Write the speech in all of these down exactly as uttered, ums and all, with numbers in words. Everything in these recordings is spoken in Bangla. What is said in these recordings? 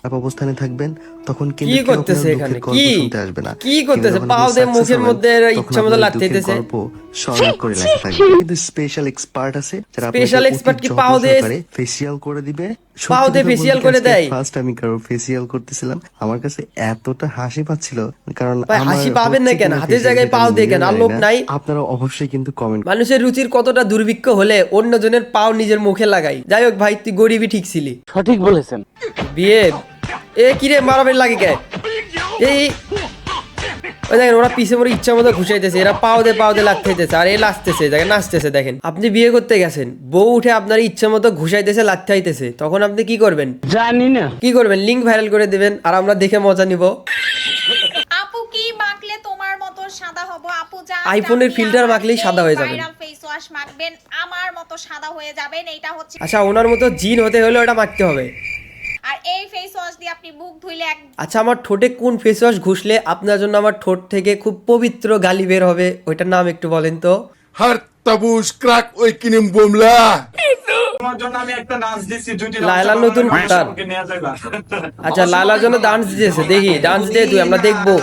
অবস্থানে থাকবেন তখন কি কিন্তু করতেছে এখানে কি শুনতে আসবে না। কি করতেছে পাও দিয়ে মুখের মধ্যে ইচ্ছা মতো লাগতেছে গল্প শর্ট করে লেখা থাকবে। কিন্তু স্পেশাল এক্সপার্ট আছে যারা আপনাকে স্পেশাল এক্সপার্ট অতি কি যত্ন পাও দিয়ে সহকারে ফেসিয়াল করে দিবে। পাও দিয়ে ফেসিয়াল করে দেয়? ফার্স্ট আমি কারো ফেসিয়াল করতেছিলাম, আমার কাছে এতটা হাসি পাচ্ছিল, কারণ ভাই হাসি পাবেন না কেন, হাতের জায়গায় পাও দিয়ে কেন? আর লোক নাই? আপনারা অবশ্যই কিন্তু কমেন্ট। মানুষের রুচির কতটা দুর্ভিক্ষ হলে অন্যজনের পাও নিজের মুখে লাগাই। যাই হোক ভাই, তুই গরিবই ঠিক ছিলি। সঠিক বলেছেন। বিয়ে এ কিরে মারাবেন লাগে কে? এই ওই দেখেন ওরা পিছে মরে ইচ্ছা মতো ঘুষাইতেছে, এরা পাও দিয়ে পাও দিয়ে লাগতেছে, আর এ লাচতেছে, দেখেন নাচতেছে। দেখেন আপনি বিয়ে করতে গেছেন, বউ উঠে আপনার ইচ্ছা মতো ঘুষাইতেছে, লাগতে আইতেছে, তখন আপনি কি করবেন? জানি না কি করবেন? লিঙ্ক ভাইরাল করে দিবেন আর আমরা দেখে মজা নিব। আপু কি মাখলে তোমার মতো সাদা হব? আপু যা আইফোনের ফিল্টার মাখলেই সাদা হয়ে যাবেন। ভাইরাল ফেস ওয়াশ মাখবেন, আমার মতো সাদা হয়ে যাবেন। এইটা হচ্ছে আচ্ছা, ওনার মতো জিন হতে হলে ওটা মাখতে হবে। আর এই ফেস ওয়াশ দিয়ে আপনি মুখ ধুইলে এক আচ্ছা, আমার ঠোঁটে কোন ফেস ওয়াশ ঘুষলে আপনার জন্য আমার ঠোঁট থেকে খুব পবিত্র গালি বের হবে, ওইটার নাম একটু বলেন তো। Har tabuş krak oykinim bomla. তোমার জন্য আমি একটা ডান্স দিছি, দুইটি লায়লার নতুন গান। নিয়ে যাইবা। আচ্ছা, লায়লার জন্য ডান্স দিয়েছে, দেখি ডান্স দিয়ে তুই, আমরা দেখবো।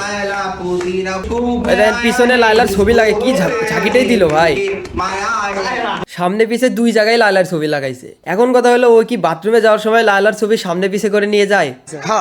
এই দেখেন, পিছনে লায়লার ছবি লাগে, কি ঝা- ঝাঁকিটাই দিল ভাই। সামনে পিছে দুই জায়গায় লায়লার ছবি লাগাইছে। এখন কথা হলো, ও কি বাথরুমে যাওয়ার সময় লায়লার ছবি সামনে পিছে করে নিয়ে যায়?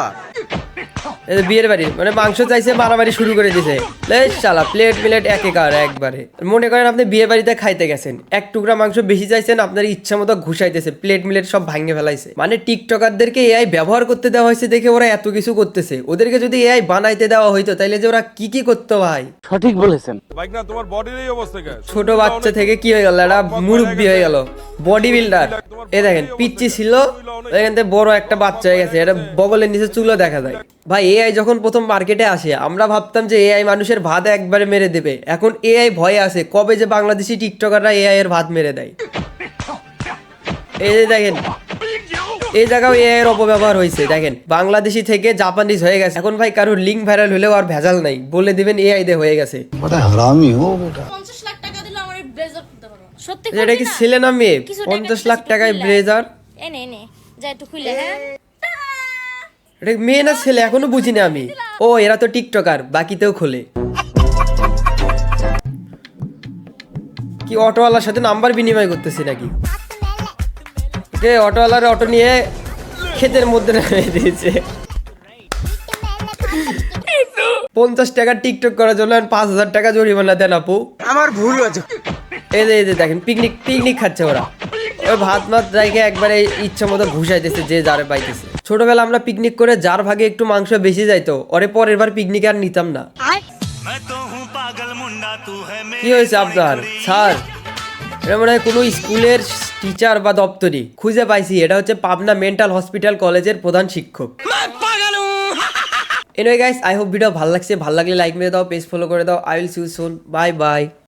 এই যে বিয়ের বাড়ি, মানে মাংস চাইছে, মারামারি শুরু করে দিছে। লেশ শালা, প্লেট মিলেট একেকার একবারে। মনে করেন আপনি বিয়ে বাড়িতে খাইতে গেছেন, এক টুকরা মাংস বেশি চাইছেন, আপনার ইচ্ছা মতো ঘুষাইতেছে, প্লেট মিলেট সব ভাঙে ফেলাইছে। মানে টিকটকারদেরকে এআই ব্যবহার করতে দেওয়া হয়েছে দেখে ওরা এত কিছু করতেছে। ওদেরকে যদি এআই বানাইতে দেওয়া হইতো তাইলে যে ওরা কি কি করতো ভাই। সঠিক বলেছেন। Bak na তোমার বডির এই অবস্থা কে? ছোট বাচ্চা থেকে কি হয়ে গেল, একটা মুরব্বি হয়ে গেল, বডি বিল্ডার। এ দেখেন, পিচ্চি ছিল, দেখেন তো বড় একটা বাচ্চা হয়ে গেছে, এটা বগলের নিচে চুলও দেখা যায়। ভাই এআই যখন প্রথম মার্কেটে আসে, আমরা ভাবতাম যে এআই মানুষের ভাত একবারে মেরে দেবে। এখন এআই ভয়ে আছে কবে যে বাংলাদেশি টিকটকাররা এআই এর ভাত মেরে দেয়। এই যে দেখেন, এই জায়গাও এআই এর অপব্যবহার হয়েছে। দেখেন, বাংলাদেশি থেকে জাপানিজ হয়ে গেছে। এখন ভাই কারোর লিঙ্ক ভাইরাল হলেও আর ভেজাল নাই, বলে দিবেন এআই দিয়ে হয়ে গেছে। পঞ্চাশ লাখ টাকা দিলে আমার ব্লেজার কিনতে পারবো। সত্যি এটা কি ছেলে না মেয়ে? কিছু টাকা পঞ্চাশ লাখ একটু টাকায় খুললে। ব্লেজার? এনে এনে যা একটু খুলে। হ্যাঁ এটা মেয়ে না ছেলে এখনো বুঝি না আমি। ও, এরা তো টিকটকার, বাকিতেও খোলে। কি অটোওয়ালার সাথে নাম্বার বিনিময় করতেছি নাকি? ওকে, অটোওয়ালার অটো নিয়ে ক্ষেতের মধ্যে নামিয়ে দিয়েছে। পঞ্চাশ টাকা টিকটক করার জন্য পাঁচ হাজার টাকা জরিমানা দেন আপু। আমার ভুল হয়েছে। এই যে এই যে দেখেন, পিকনিক পিকনিক খাচ্ছে ওরা। ওই ভাত মাত রেখে একবারে ইচ্ছা মতো ঘুষাইতেছে যে যারে পাইতেছে। ছোটবেলা আমরা পিকনিক করে যার ভাগে একটু মাংস বেশি যাইতো, ওরে পরের বার পিকনিক আর নিতাম না। কি হয়েছে আপনার স্যার? এটা মনে হয় কোনো স্কুলের টিচার বা দপ্তরি। খুঁজে পাইছি, এটা হচ্ছে পাবনা মেন্টাল হসপিটাল কলেজের প্রধান শিক্ষক। Anyway guys, I hope video ভালো লাগছে। ভালো লাগলে লাইক মেরে দাও, পেজ ফলো করে দাও। I will see you soon, bye by.